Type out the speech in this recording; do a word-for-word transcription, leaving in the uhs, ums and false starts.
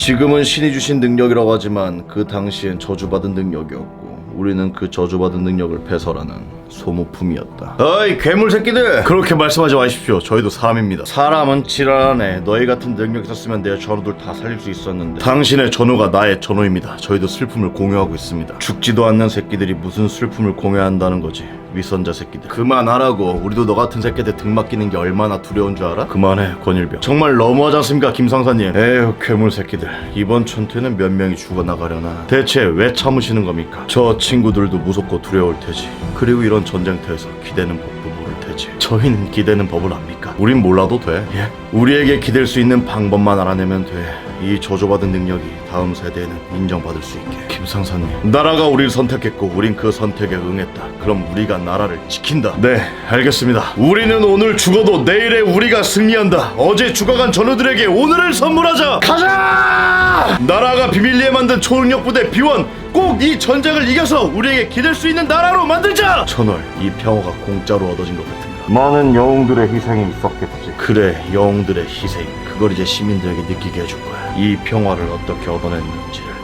지금은 신이 주신 능력이라고 하지만 그 당시엔 저주받은 능력이었고 우리는 그 저주받은 능력을 배설하는 소모품이었다. 어이 괴물 새끼들! 그렇게 말씀하지 마십시오. 저희도 사람입니다. 사람은 지랄하네. 너희 같은 능력 있었으면 내 전우들 다 살릴 수 있었는데 당신의 전우가 나의 전우입니다. 저희도 슬픔을 공유하고 있습니다. 죽지도 않는 새끼들이 무슨 슬픔을 공유한다는 거지. 위선자 새끼들 그만하라고. 우리도 너 같은 새끼들 등 맡기는 게 얼마나 두려운 줄 알아? 그만해 권일병. 정말 너무하지 않습니까 김상사님? 에휴 괴물 새끼들. 이번 전투에는 몇 명이 죽어나가려나. 대체 왜 참으시는 겁니까? 저 친구들도 무섭고 두려울 테지. 그리고 이런 전쟁터에서 기대는 법도 모를 테지. 저희는 기대는 법을 압니까? 우린 몰라도 돼. 예? 우리에게 기댈 수 있는 방법만 알아내면 돼. 이 저주받은 능력이 다음 세대에는 인정받을 수 있게. 김상사님, 나라가 우리를 선택했고 우린 그 선택에 응했다. 그럼 우리가 나라를 지킨다. 네, 알겠습니다. 우리는 오늘 죽어도 내일에 우리가 승리한다. 어제 죽어간 전우들에게 오늘을 선물하자. 가자! 나라가 비밀리에 만든 초능력 부대 비원, 꼭 이 전쟁을 이겨서 우리에게 기댈 수 있는 나라로 만들자. 천월, 이 평화가 공짜로 얻어진 것 같은가? 많은 영웅들의 희생이 있었겠지. 그래, 영웅들의 희생. 그걸 이제 시민들에게 느끼게 해줄 거야. 이 평화를 어떻게 얻어냈는지를.